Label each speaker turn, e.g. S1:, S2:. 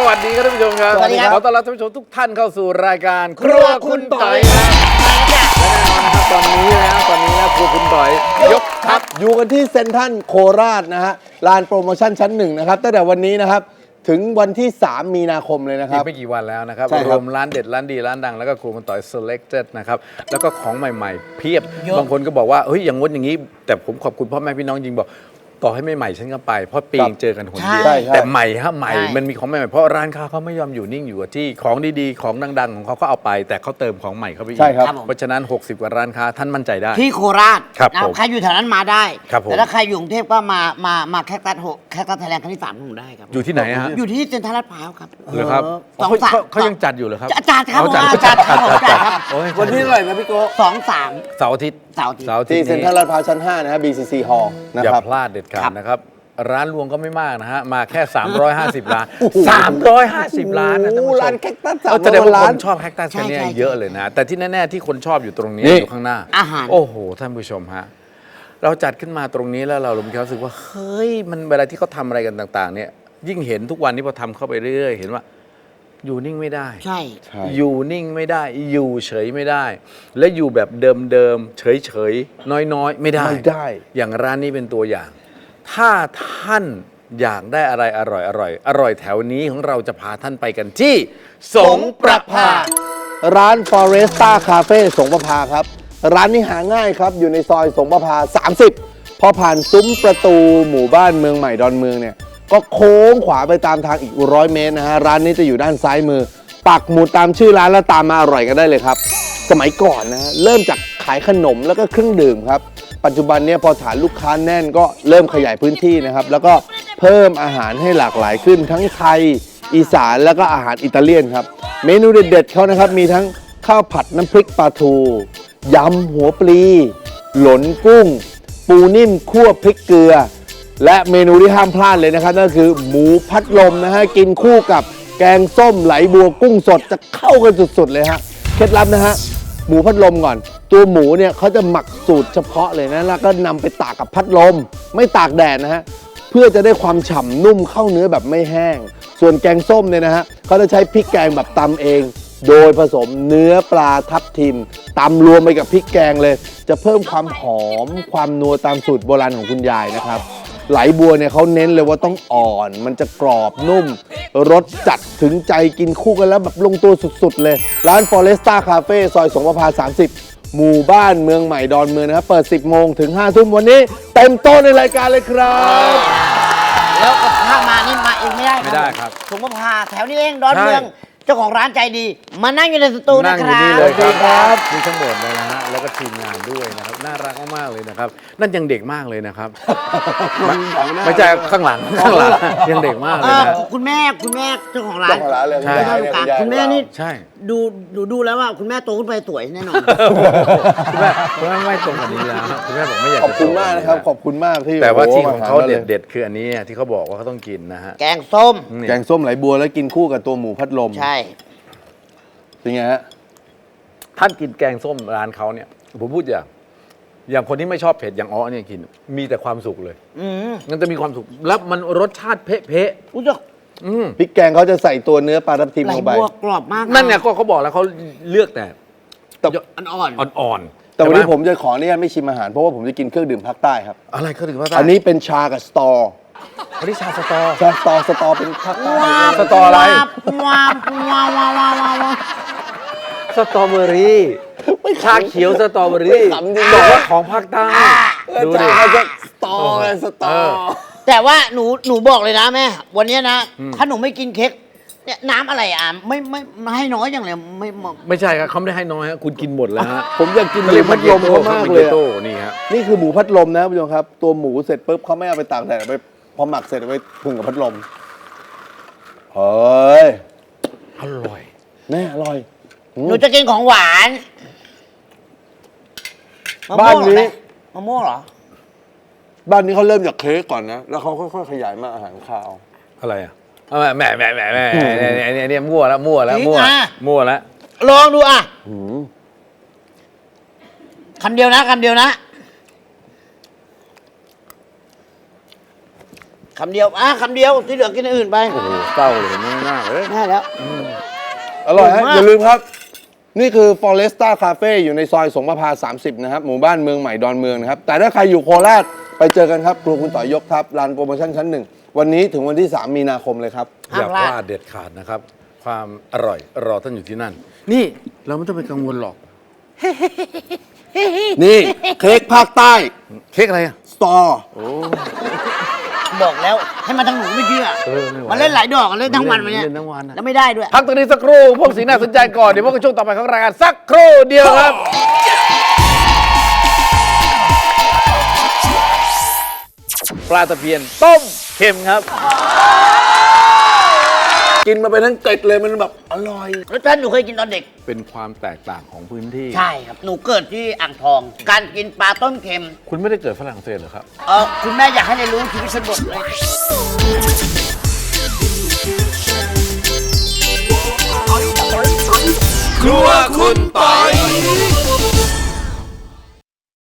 S1: วัสดีครับท่านผู้ชมครับ
S2: สวัสดีครับ
S1: ขอต้อนรับท่านผู้ชมทุกท่านเข้าสู่รายการครัวคุณต่อยและแน่นอนนะครับตอนนี้นะครัวคุณต่อยยกทัพ
S2: อยู่กันที่เซ็นทรัลโคราชนะฮะลานโปรโมชั่นชั้นหนึ่งนะครับตั้งแต่วันนี้นะครับถึงวันที่ 3 มีนาคมเลยนะค
S1: อี
S2: รั
S1: ก
S2: บ
S1: ไม่กี่วันแล้วนะครับ
S2: ใช่ครับ
S1: รวมร้านเด็ดร้านดีร้านดังแล้วก็ครัวคุณต่อย selected นะครับแล้วก็ของใหม่ๆ เพียบบางคนก็บอกว่าเฮ้ยอย่างงดอย่างนี้ แต่ผมขอบคุณพ่อแม่พี่น้องจริงบอกต่อให้ไม่ใหม่ฉันก็ไปเพราะปีเจอกันหนเดียว
S2: ใช่
S1: แต่ใหม่ฮะใหม่
S3: ใช่
S1: มันมีของใหม่ๆเพราะร้านค้าเขาไม่ยอมอยู่นิ่งอยู่กับที่ของดีๆของดังๆของเขาก็เอาไป แต่เขาเติมของใหม่เข้าไปอีก
S2: ใช่ครับ
S1: เพราะฉะนั้น 60 กว่าร้านค้าท่านมั่นใจได้
S3: ที่โคราช
S1: ครับ
S3: นะ
S1: ผม
S3: ใครอยู่แถวนั้นมาได้
S1: ครับผม
S3: แต่ถ้าใครอยู่กรุงเทพก็มาแคคตัสไทยแลนด์ครั้งที่3ของได้ครับ
S1: อยู่ที่ไหนฮะ
S3: อยู่ที่เซ็นทรัลลาดพร้าวครับ
S1: เหรอครับ
S3: สอง
S1: เขา
S3: สาม
S1: เขายังจัดอยู่เหรอครับ
S3: จัดครับ
S1: อ๋อ
S3: จัดครับผมจัดครับ
S1: โอ้ย
S2: วันที่เท่าไหร่นะพี่โก้
S3: 2-3
S1: เสาร์อาทิตย์
S3: เสาร์อาทิตย์
S1: เสาร์อาทิต
S2: ที่
S1: ย์
S2: เซ็นทรัลลาดพร้าวชั้น 5 นะฮะ BCC Hall นะ
S1: อย่า
S2: ครับ
S1: พลาดเด็ดขา
S3: ครั
S1: ด
S3: บ
S1: นะครับ ร้านรวงก็ไม่มากนะฮะ มาแค่ 350 ล้าน 350 ล้านนะท่านผู้ชม
S2: ร้านแคคตัส
S1: แสดงว่า
S2: 300 ล้า
S1: คน นชอบแคคตัสกันเนี่ย
S3: ใช่
S1: เยอะเลยนะ แต่ที่แน่ ๆ ที่คนชอบอยู่ตรงนี้
S2: นี่
S1: อยู่ข้างหน้า
S3: อาหาร
S1: โอ้โห ท่านผู้ชมฮะ เราจัดขึ้นมาตรงนี้แล้วเรามีความรู้สึกว่า เฮ้ย มันเวลาที่เขาทำอะไรกันต่าง ๆ เนี่ย ยิ่งเห็นทุกวันนี้พอทำเข้าไปเรื่อยๆ เห็นว่า อยู่นิ่งไม่ได้
S3: ใช่
S2: ใช่
S1: อยู่นิ่งไม่ได้ อยู่เฉยไม่ได้ และอยู่แบบเดิมๆ เฉยๆ น้อยๆ ไม่ได้
S2: ไม่ได้
S1: อย่างร้านนี้เป็นตัวอย่าง ถ้าท่านอยากได้อะไรอร่อยแถวนี้ของเราจะพาท่านไปกันที่สงประภา
S2: ร้าน Foresta Cafe สงประภาครับ ร้านนี้หาง่ายครับ อยู่ในซอยสงประภา 30 พอผ่านซุ้มประตูหมู่บ้านเมืองใหม่ดอนเมืองเนี่ย ก็โค้งขวาไปตามทางอีก100 เมตรนะฮะ ร้านนี้จะอยู่ด้านซ้ายมือ ปักหมุดตามชื่อร้านแล้วตามมาอร่อยกันได้เลยครับ สมัยก่อนนะฮะ เริ่มจากขายขนมแล้วก็เครื่องดื่มครับ ปัจจุบันเนี่ยพอฐานลูกค้าแน่นก็เริ่มขยายพื้นที่นะครับ แล้วก็เพิ่มอาหารให้หลากหลายขึ้นทั้งไทย อีสานแล้วก็อาหารอิตาเลียนครับ เมนูเด็ดๆเขานะครับมีทั้งข้าวผัดน้ำพริกปลาทูยำหัวปลี หลนกุ้ง ปูนิ่มคั่วพริกเกลือ และเมนูที่ห้ามพลาดเลยนะครับนั่นก็คือหมูพัดลมนะฮะกินคู่กับแกงส้มไหลบัวกุ้งสดจะเข้ากันสุดๆเลยฮะเคล็ดลับนะฮะหมูพัดลมก่อน ตัวหมูเนี่ยเขาจะหมักสูตรเฉพาะเลยนะแล้วก็นำไปตากกับพัดลม ไม่ตากแดดนะฮะเพื่อจะได้ความฉ่ำนุ่มเข้าเนื้อแบบไม่แห้ง ส่วนแกงส้มเนี่ยนะฮะเขาจะใช้พริกแกงแบบตำเอง โดยผสมเนื้อปลาทับทิมตำรวมไปกับพริกแกงเลย จะเพิ่มความหอมความนัวตามสูตรโบราณของคุณยายนะครับ ไหลบัวเนี่ยเขาเน้นเลยว่าต้องอ่อน มันจะกรอบนุ่ม รสจัดถึงใจกินคู่กันแล้วแบบลงตัวสุดๆเลย ร้าน Foresta Cafe ซอยสงประภา 30 หมู่บ้านเมืองใหม่ดอนเมืองนะครับ เปิด 10 โมงถึง 5 ทุ่มวันนี้ เต็มโต๊ะในรายการเลยครับ
S3: แล้วถ้ามานี่มาเองไม่ได้
S1: ไม่ได้ครับ
S3: สงประภาแถวนี้เองดอน
S1: ใช่
S3: เมืองเจ้าของร้านใจดี มานั่งอยู่ในสตูนะ
S1: นั่ง
S3: ค
S1: อยู่
S3: รับ
S1: นี่เลยค
S2: สวัสดีครั
S1: รับ มีทั้งหมดเลยนะฮะ แล้วก็ทีมงานด้วยนะครับ น่ารักมากๆเลยนะครับ นั่นยังเด็กมากเลยนะครับ ไม่ใช่ข้างหลังยังเด็กมากเลยนะ
S3: คุณแม่เจ้าของร้า
S2: เจ้าน ของร้านเลย
S1: ใช่
S3: คุณแม่นี่
S1: ใช่
S3: ดูแล้วว่าคุณแม่โตขึ้นไปสวยแน่นอน
S1: คุณแม่ไม่ตรงกับนี้แล้วคุณแม่บอกไม่อยาก
S2: ขอบคุณมากนะครับ ขอบคุณมากที่
S1: แต่ว่าที่
S2: โโห
S1: ของเขา
S2: มทนลย
S1: เด็ดๆคืออันนี้ที่เขาบอกว่าเขาต้องกินนะฮะ
S3: แกงส้ม
S1: นี่
S2: แกงส้มไหลบัวแล้วกินคู่กับตัวหมูพัดลม
S3: ใช่
S2: เป็นไงฮะ
S1: ท่านกินแกงส้มร้านเขาเนี่ยผมพูดอย่างคนที่ไม่ชอบเผ็ดอย่างอ้อเนี่ยกิน มีแต่ความสุขเลย มันจะมีความสุขแล้วมันรสชาติเป๊ะ
S3: อุ้ย
S1: ๆอืม
S2: พริกแกงเขาจะใส่ตัวเนื้อปลาทับทิม
S3: ไหล
S2: ลงไป
S3: บัวกรอบมาก
S1: นั่นเนี่ยก็เขาบอกแล้วเขาเลือกแต่
S2: แต่
S3: อ่อน
S1: อ่อนๆ
S2: แต่วันนี้
S1: ใช่ไห
S2: ผมจะขออนุญาตไม่ชิมอาหารเพราะว่าผมจะกินเครื่องดื่มภาคใต้ครับ
S1: อะไรเขาถึงว่า
S2: อันนี้เป็นชากับสตอ
S1: อันนี้ชาสตอ
S2: สตอเป็นภาคใต้
S1: สตออะไร
S3: วาบวาบวาบวาบวาบวา
S1: สตรอเบอรี่ชาเขียวสตรอเบอรี่
S2: ขำจริง
S1: บอกว่าของภาคใต้ดูดิ
S2: ชาจะสตอไงสตอ
S3: แต่ว่าหนูบอกเลยนะแม่ วันนี้นะ ถ้าหนูไม่กินเค้กเนี่ยน้ำอะไรอ่ะไม่ให้น้อยอย่างเลยไม่
S1: ไม่ใช่ครับเขาไม่ได้ให้น้อยฮะคุณกินหมดแล้วฮะ
S2: ผมอยากกินห
S1: เขา
S2: มู
S1: เรียก
S2: พัดลมเขามากเลย
S1: โต้
S2: อะ
S1: นี่ฮะ
S2: นี่คือหมูพัดลมนะผู้ชมครับ ตัวหมูเสร็จปุ๊บเขาไม่เอาไปตากแดดเอาไปพอหมักเสร็จเอาไปพึ่งกับพัดลมเฮ้ย
S1: อร่อย
S2: แน่อร่อย
S3: หนูจะกินของหวานมะ
S2: บ้า
S3: ม่วน งเหรอ
S2: นี้
S3: แม่มะม่วงเหรอ
S2: บ้านนี้เขาเริ่มจากเค้กก่อนนะ แล้วเขาค่อยๆขยายมาอาหารคาว
S1: อะไรอ่ะเอาแหม่เนี่ยมั่วแล้วมั่ว
S3: จริงอ่ะ
S1: แล้ว
S3: ลองดูอ่ะ
S2: หืม
S3: คำเดียวนะคำเดียวคำเดียวที่เหลือกินอย่างอื่นไป
S1: โอ้โหเศร้าเลยไม่น่าเลย
S3: ได้แล้ว
S2: อร่อยฮะ
S3: อร่อยมาก
S2: อย่าลืมครับ นี่คือ Foresta Cafe อยู่ในซอยสงประภา 30 นะครับ หมู่บ้านเมืองใหม่ดอนเมืองนะครับ แต่ถ้าใครอยู่โคราชไปเจอกันครับครัวคุณต่อยยกครับร้านโปรโมชั่นชั้นหนึ่งวันนี้ถึงวันที่ 3 มีนาคมเลยครับ
S1: อย่าพลาดเด็ดขาดนะครับ ความอร่อยรอท่านอยู่ที่นั่น นี่เราไม่ต้องไปกังวลหรอก
S2: นี่เค้กภาคใต้
S1: เค้กอะไรอ่ะ
S2: สตอ
S3: บอกแล้วให้มาทางหนูไม่เชื่อ
S1: ไม่ไหว
S3: มันเล่นหลายดอกเล่นทั้งวันมันเนี่ย
S1: เล่นทั้งวันอะ
S3: แล้วไม่ได้ด้วย
S1: พักตัวนี้สักครู่พวกสีน่าสนใจก่อน เดี๋ยวพวกกันช่วงต่อไปของรายการสักครู่เดียวครับ ปลาตะเพียนต้มเค็มครับ
S2: กินมาเป็นทั้งเกล็ดเลยมันแบบอร่อย
S3: รสชาติหนูเคยกินตอนเด็ก
S1: เป็นความแตกต่างของพื้นที่
S3: ใช่ครับ หนูเกิดที่อ่างทอง การกินปลาต้มเค็ม
S1: คุณไม่ได้เกิดฝรั่งเศสเหรอครับ
S3: คุณแม่อยากให้ได้รู้ชีวิตชนบทเลย
S4: ครัวคุณปอย